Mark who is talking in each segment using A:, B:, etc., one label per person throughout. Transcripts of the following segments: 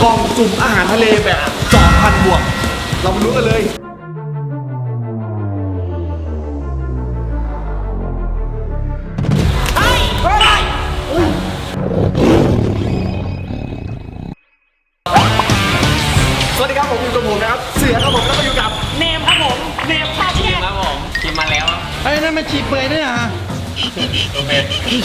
A: กล่องสุ่มอาหารทะเลแบบ 2,000 บวกเรามาลุ้นกันเลยสวัสดีครับผมอยู่กับผมนะครับเสือครับผมแล้วก็อยู่กับ
B: เนมครับผมเนมภาพแยก
C: ครับผมกินมาแล้ว
D: ไอ้นั่นมันฉีดเปลือยด้วยนะ
C: โอเค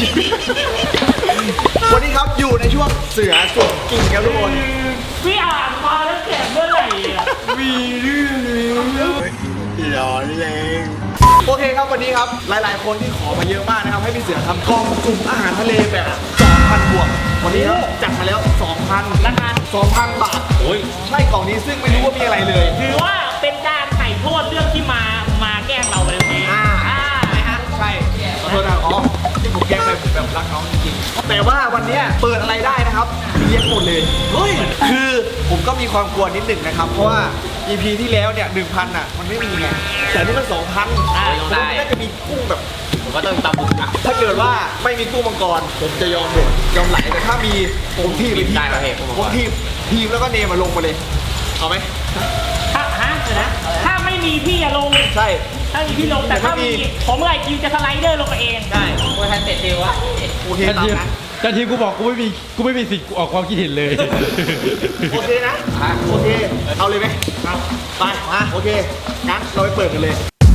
A: วันนี้ครับอยู่ในช่วงเสือสุดกินครับทุกคน
B: พี่อ่านมาแล้วแกเมื่อไหร่อ่ะ
A: มีเรื่องร้อนแรงโอเคครับวันนี้ครับหลายๆคนที่ขอมาเยอะมากนะครับให้พี่เสือทำกล่องสุ่มอาหารทะเลแบบ 2,000 บวกวันนี้ครับจัดมาแล้ว 2,000
B: ราคา
A: 2,000 บาทโอ้ยใช่กล่องนี้ซึ่งไม่รู้ว่ามีอะไรเลย
B: ถือว่าเป็นการไถ่โทษเรื่องที่มาแกล้งเราไปเลยนี้
A: ใช่ขอโทษนะอ๋อที่ผมแกล้งไปผมแบบรักน้องจริงๆแต่ว่าวันนี้เปิดอะไรได้นะครับเลี้ยงหมดเลยเฮ้ยคือผมก็มีความกลัวนิดหนึ่งนะครับเพราะว่า EP ที่แล้วเนี่ย 1,000 อ่ะมันไม่มีไงแต่นี่มัน 2,000ผมน่าจะมีกุ้งแบบ
C: ผมก็ต้องตำบุกอ่ะ
A: ถ้าเกิดว่าไม่มีกุ้งมังกรผมจะยอมเลยยอมไหลแต่ถ้ามีผมทีม
C: ได้แล้วเหรอ
A: ผมทีมแล้วก็เนมาลงมาเลยเอาไหม
B: เดี๋ยวนะถ้าไม่มีพี่อย่าลง
A: ใช่
B: ถ้ามีพี่ลงแต่ถ้ามีผมไงคิวจะสไลเดอร์ลงมาเอง
A: ได้
C: โอ้ยทันเสร็จเดียววะ
A: โอเคตามนั้น
D: แต่ทีกูบอกกูไม่มีสิทธิ์ออกความคิดเห็นเลย
A: โอเคนะโอเคเอาเลยไหมไปมาโอเคงั้นเราไปเปิดกันเลย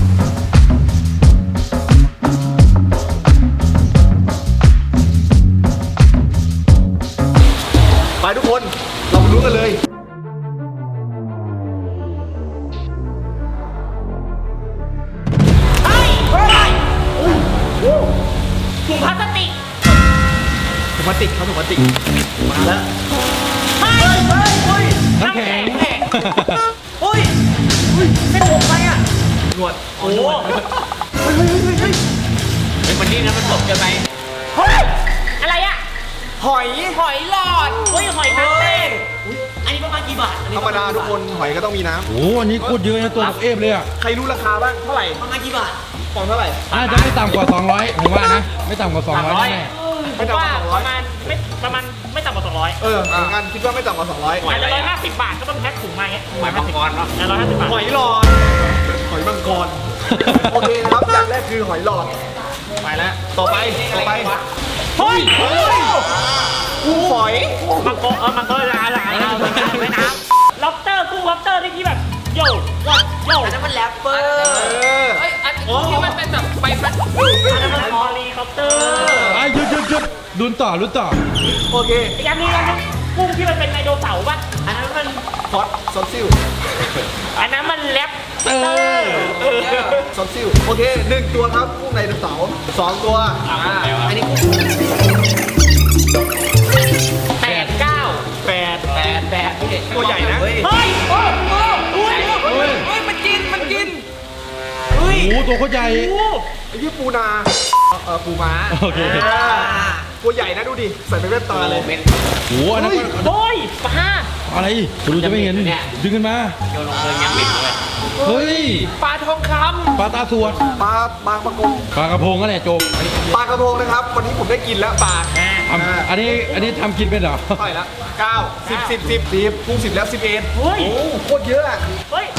A: ไปทุกคนเราไปรู้กันเลย
B: ถุงพลาสติก
A: ถุงพลาสติกเขาถุงพลาสติกมาแล้ว
D: น้ำแข็ง
A: เฮ้ยไม่ตกไปอ่ะหนวด
B: โอ้
A: เฮ้ย
C: เป็นวันนี้นะมันตกเกินไป
B: เฮ้ยอะไรอ่ะ
A: หอย
B: หลอดเฮ้ยหอยนางรมอันนี้ประมาณกี่บาท
A: ธรรมดาทุกคนหอยก็ต้องมีน้ำ
D: โอ้อันนี้โคตรเยอะนะตัวเอฟเลยอ่ะ
A: ใครรู้ราคาบ้างเท่าไหร่
B: ประมาณกี่บาท
A: กล่องเท่าไหร่
D: น่าจะไม่ต่ำกว่า200ผมว่านะไม่ต่ำกว่า200แน่
A: ไม่ต่ำกว่า
B: ไม่ต่ำกว่า200
A: เหมือนกันคิดว่าไม่ต่ำกว่า200
B: อาจจะ150 บาทก็ต้องแพ็คถุงมาเงี้ย
C: หอยมังกรเนาะ
B: 150 บาท
A: หอยหลอดหอยมังกรโอเคนะครับอย่างแรกคือหอยหลอดไปแล้วต่อไป
B: เฮ้ย
A: กุ้งฝอย
B: มังกรอะไรไม่น้ำล็อบสเตอร์กุ้งล็อบสเตอร์ที่แบบโย่
C: อันนั้นมันแรปเปอร์เฮ้ยอันที่มันเป็นแบบใบพัด
B: อันนั้นมันฮอลีคอปเตอร์
D: หยุดลุ้นต่อ
A: โอเค
B: อย่างนี้กุ้งที่มันเป็นไดโนเสาร์ป่ะอันนั้นมัน
A: ซอสซิล
B: อันนั้นมันแรปเตอร์
A: ซอสซิลโอเค1ตัวครับกุ้งไดโนเสาร์2ตัวอันนี้กุ้ง
B: 8
A: ตัวใหญ่นะ
B: เฮ้ยมันกิน
D: โอ้ตัวโคตรใหญ่
A: ไอ้ที่ปูนาปูม้า
D: โอเค
A: ตัวใหญ่นะดูดิใส่เป็นแว่นตาเลย
D: โอ้อันนั้น
B: โอ้ยปลา
D: อะไรดูจะไม่เห็นดึงกันมา
C: โยนลงเลยยังปิดเลย
D: เฮ้ย
B: ปลาทองค
D: ำปลาตาสวด
A: ปลาบางประกง
D: ปลากระพงก็แหละโจ
A: ปลากระพงนะครับวันนี้ผมได้กินแล้วปลา
D: อันนี้ทำกินเป็นเหรอ
A: เท่าไหร่ละ9 10กุ้ง10แล้ว11
B: เฮ้ย
A: โอ้โคตรเยอะ
B: เฮ้ย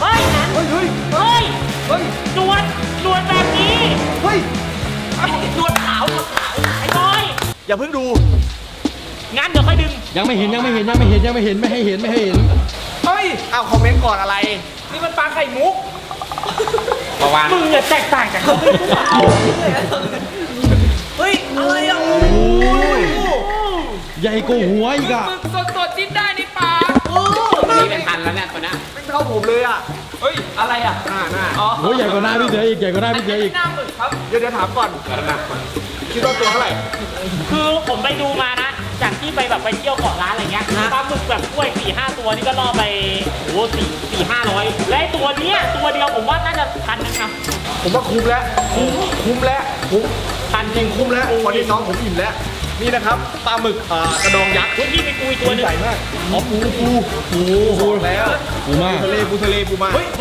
B: นวดแบบนี้
A: เฮ้ย
B: นวดขาวไอ้บอย
A: อย่าเพิ่งดู
B: งั้นเดี๋ยวค่อยดึง
D: ยังไม่เห็นไม่ให้เห็น
A: เฮ้ยเอาคอมเมนต์ก่อนอะไร
B: นี่มันปลาไข่มุก
C: ประมาณ
B: มึงอย่าแตกต่างจากเขาเฮ้ยอะไรอ่ะ
D: ใหญ่กว่าหัวอีกอ่ะ
B: สดจิ้นได้นี่ปลา
C: นี่เป็นพันแล้วเนี่ยตัวนี้
A: ไม่เท่าผมเลยอ่ะ
B: เฮ้ยอะไรอ่ะ
A: หน้า
D: โอ้ยใหญ่กว่าหน้าพี่เสืออีก
B: หน้าหมึกครับ
A: เดี๋ยวถามก่อนคิดว่าตัวเท่าไหร่
B: คือผมไปดูมานะจากที่ไปแบบไปเที่ยวเกาะร้านอะไรเงี้ยปลาหมึกแบบกล้วย 4-5 ตัวนี่ก็ล่อไปโอ้400-500และตัวเนี้ยตัวเดียวผมว่าน่าจะ1,000นึงนะ
A: ผมว่าคุ้มแล้วคุ้มจริงคุ้มแล้ววันนี้น้องผมอิ่มแล้วนี่นะครับปลาหมึกกระดองยักษ์
B: นี่มีปุยตัวนึง
A: ใหญ่มากปูแล้ว
D: ปูมา
A: ทะเลปูมา
B: เฮ้ย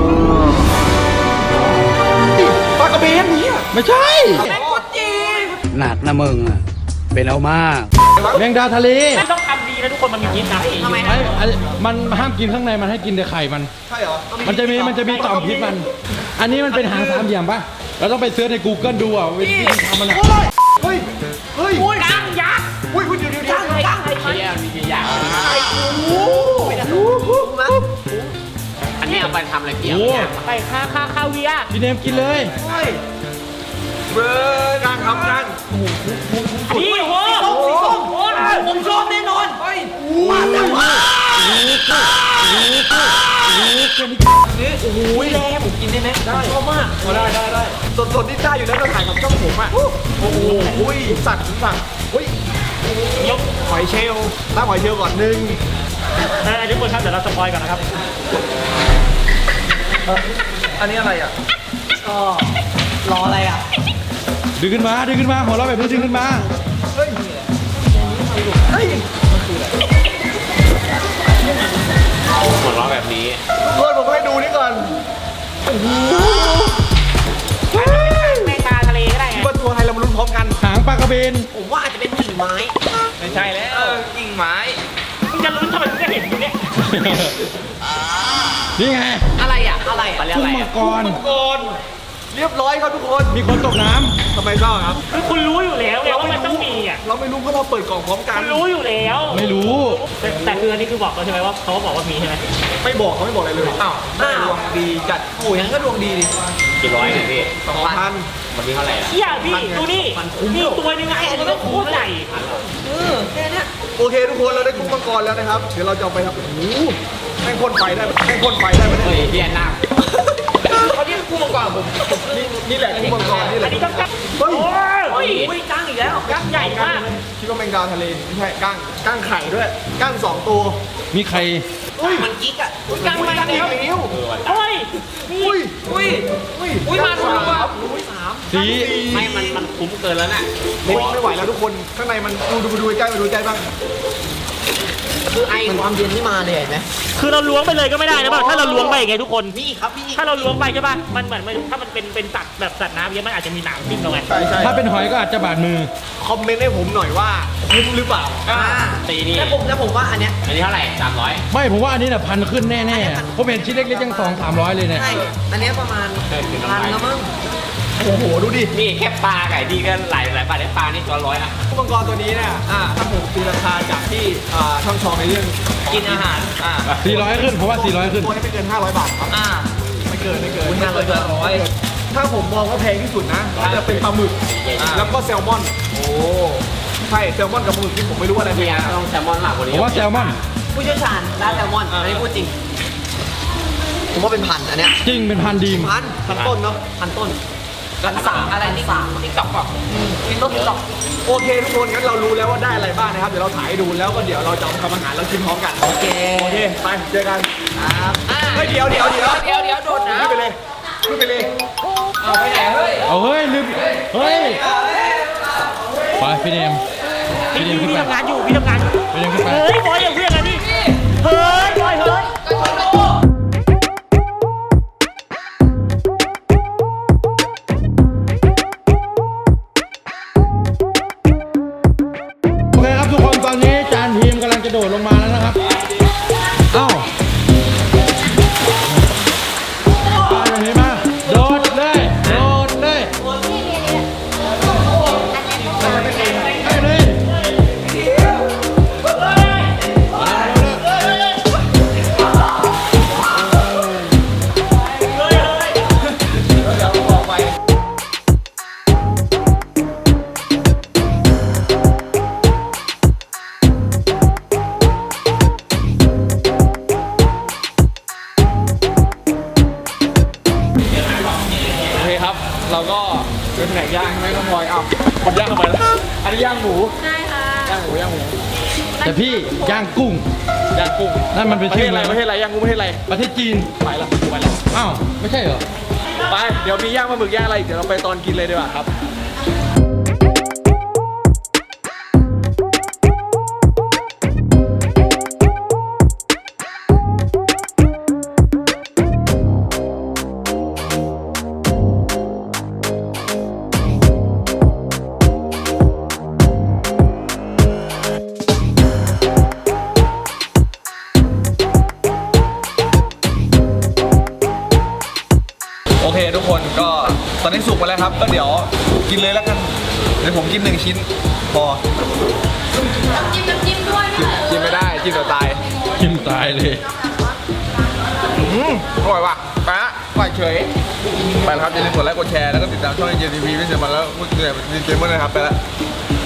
A: ปลากระเบนเนี่ย
D: ไม่ใช่
B: แมงกุจี
E: หนักนะมึงอะเป็นเอามาก
D: แมงดาทะเล
B: ไม่ต้องทำดีนะทุกคนมันมีพิษนะ
C: ทำไม
D: ไอ้มันห้ามกินข้างในมันให้กินแต่ไข่มัน
A: ใช่เหรอ
D: มันจะมีต่อมพิษมัน อันนี้มันเป็นหางสามเหลี่ยมปะเราต้องไปเสิร์ชใน Google ดูอ่ะวิธีทำมันอ่ะ
A: เฮ้ยเฮ้ย
B: กั้งยักษ์
A: อุ้ยเดี๋ยว
C: กั้งกั้ง
B: เชี่ยมีกี่อย่าง
C: อันนี้เอาไปทำอะไรเกี่ยว
D: โอ้
B: ไปคาเวียร์
D: พี่เนมกินเลย
A: เฮ้ยเบอร์กลางครับกลาง
B: นี่โอ้โห
C: ผมชอบแน่นอนเฮ้ย
A: มาแต่ว่า
C: โอ้โหแร่ผมกินได้ไหมชอบมาก
A: ได้สดๆนี่ได้อยู่แล้วเราถ่ายกับช่องผมอ่ะโอ้โหสัตว์อุ้ย
B: ยก
A: หอยเชลล์ตั้งหอยเชลล์ก่อนหนึ่ง
B: ทุกคนครับเดี๋ยวเราสปอยก่อนนะครับ
A: อันนี้อะไรอ่ะ
C: ก็รออะไรอ่ะ
D: ดึงขึ้นมาหัวเราะแบบนี้ดึงขึ้นมา
A: เฮ้ยเฮ้ย
B: หัวเราะแบบนี้
A: เพื่อนผมให้ดูนี่ก่อน
B: แมงดาทะเลก็ได้ไง
A: ว่าตัวอะไรเรามาลุ้นพร้อมกัน
D: หางปลากระเบน
C: ผมว่าอาจจะเป็นกิ่งไม้
A: ไม่ใช่แล้วกิ่งไม้
B: มึงจะลุ้นทำไมมึงจะเห็นอยู่เนี่ย
D: นี่ไง
C: อะไรอ่ะอะไรอ่ะ
D: กุ้งมังกร
A: ก่อนเรียบร้อยครับทุกคน
D: มีคนตกน้ำ
A: ทำไมเศร้าครับ
B: คือคุณรู้อยู่แล้วไงว่ามันต้องมีอ่ะ
A: เราไม่รู้เพราะเราเปิดกล่องพร้อมกัน
B: คุณรู้อยู่แล้ว
D: ไม่รู้
B: แต่คืออันนี้คือบอกแล้วใช่ไหมว่าเขาบอกว่ามีใช่ไหม
A: ไม่บอกเขาไม่บอกอะไรเลยอ้าวได้ดวงดีจัด
C: โอ้ยงั้นก็ดวงดีดิ
B: กี่ร้อยเนี่ยพี่
A: 2,000
B: วันนี้เท่าไหร่ละเชี่ยพี่ดูนี่นี่ตัวนึงไงอันนี้ก็โคตรใหญ่
C: แค่นี้
A: โอเคทุกคนเราได้กุ้งมังกรแล้วนะครับ เดี๋ยวเราจะเอาไปทำโอ้โหแม่งพ่นไฟได้ไหมแม่งพ่นไฟได้ไหมเนี่ย
B: เฮียหน้า
C: เขาเรียกกุ้งมังกรผม
A: นี่แหละกุ้งมังกรนี่แห
B: อั
A: ละ
B: นนี้ก็กั้ง
A: เฮ้ย
B: โอ้ย
C: อุ้ยกั้งอีกแล้ว
B: กั้งใหญ่มาก
A: คิดว่าแมงดาทะเลไม่ใช่ก้างไข่ด้วยก้าง2 ตัว
D: มีใคร
C: มันกิ๊กอ่ะ
B: กั้งใหม่
A: ก้าง
B: แล้ว
A: นิ้ว
B: โอ้ยนี่
A: อุ้ย
C: อุ้ย
A: อุ้ย
C: มาดูอ่ะ
D: สี
B: ไม่มันคุ้มเกินแล้วน่ะ
A: ไม่ไหวแล้วทุกคนข้างในมันดูใกล้มาดูใกล้บ้าง
C: คือไอความเย็นที่มาเลยเห็นไหม
B: คือเราล้วงไปเลยก็ไม่ได้นะป่ะถ้าเราล้วงไปอย่างไงทุกคน
C: มีครับพี่
B: ถ้าเราล้วงไปใช่ป่ะมันเหมือนถ้ามันเป็นสัตว์แบบสัตว์น้ำเยอะมันอาจจะมีหนามทิ่มเราไง
A: ใช่ใช่
D: ถ้าเป็นหอยก็อาจจะบาดมือ
A: คอมเมนต์ให้ผมหน่อยว่าคุ้มหรือเปล่า
B: ตีนี่
C: แล้วผมว่าอันเนี้ย
B: อันนี้เท่าไหร่300
D: ไม่ผมว่าอันนี้น่ะพันขึ้นแน่ๆผมเห็นชิ้นเล็กๆยัง200-300เลยเนี่ย
C: ใช่อันเนี้ยประมาณพันแล้วมั้ง
A: โอ้โหดูดิ
B: นี่แค่ปลาไก่ดีก็หลายบาทได้ปลานี่ตัว100นะ
A: กุ้งมังกรตัวนี้เนี่ยถ้าผมตีราคาจากที่ช่องชองในเรื่อง
C: กินอาหาร
D: 400ขึ้นผมว่า400ขึ้น
A: ตัวนี้ไม่เกิน500 บาทครับ ไม่เกิน
C: 500
A: ถ้าผมมองว่าแพงที่สุดนะน่าจะเป็นปลาหมึกแล้วก็แซลมอน โอ้ใช่แซลมอนกับปลาหมึกที่ผมไม่รู้ว่าอะไรแพงนะ
B: ต้องแซลมอนมากกว่า
D: ผ
B: นี้
D: มว่าแซลมอน
C: ผู้เชี่ยวชาญด้านแซลมอนอันนี้พูดจริง ผมว่าเป็นพันอันเนี้ย
D: จริงเป็นพันดีม
A: พันต้นเนาะ
C: พันต้นกันสามอะไรนี่ติ๊กต็อกป่ะติ๊กต็อก
A: โอเคทุกคนงั้นเรารู้แล้วว่าได้อะไรบ้างนะครับเดี๋ยวเราถ่ายให้ดูแล้วก็เดี๋ยวเราจะเอามาทำอาหารแล้วกินพร้อมกัน
C: โอเค
A: โอเคไปเจอกัน
C: ครับ
A: เฮ้ยเดี๋ยว
C: เดี๋ยวโดดนะ
A: ขึ้นไปเลยขึ้นไปเลย
C: เอาไปไหนเฮ้ย
D: เอาเฮ้ยลืมเฮ้ยไปพี่เนม
B: พี่
D: พี่เนมขึ้นไป
B: ทำงานอยู่พี่ทำงานอยู่
D: พี่เนมขึ้นไป
B: เฮ้ยบอยอย่าเพื่อนกันดิเฮ้ยบอยเฮ้ย
D: โอเคครับทุกคนตอนนี้จานทีมกำลังจะโดดลงมาแล้วนะครับเอ้าอย่างนี้มาโดดเลยโดดเลยให้เลย
A: โอเคครับ เราก็เป็นแผนกย่างใช่ไหมก็พลอยเอาผมย่างทำไมล่ะอันนี้ย่างหมู
F: ใช่ค่ะ
A: ย่างหมูย่างหมู
D: แต่พี่ย่างกุ้ง
A: ย่างกุ้ง
D: นั่นมันเป็น
A: ประเท
D: ชื่
A: ศ
D: อ
A: อะไรประเทศอะไรย่างกุ้งประเทศอะไร
D: ประเทศจีน
A: ไปละไปละ
D: อ้าวไม่ใช่เหรอ
A: ไปเดี๋ยวมีย่างปลาหมึกย่างอะไรอีกเดี๋ยวเราไปตอนกินเลยดีกว่าครับอนนี้สุกมาแล้วครับก็เดี๋ยวกินเลยแล้วกันเดี๋ยวผมกิน1 ชิ้นพอ
C: น้ำจิ้มด้วย
A: กินไม่ได้กินแต่ตาย
D: กินตายเลย
A: อร่อยว่ะไปละอร่อยเฉยไปแล้วครับอย่าลืมกดไลค์กดแชร์แล้วก็ติดตามช่องเจทีวีไม่เสียมันแล้วพูดเหนื่อยดีเจมส์นะครับไปละ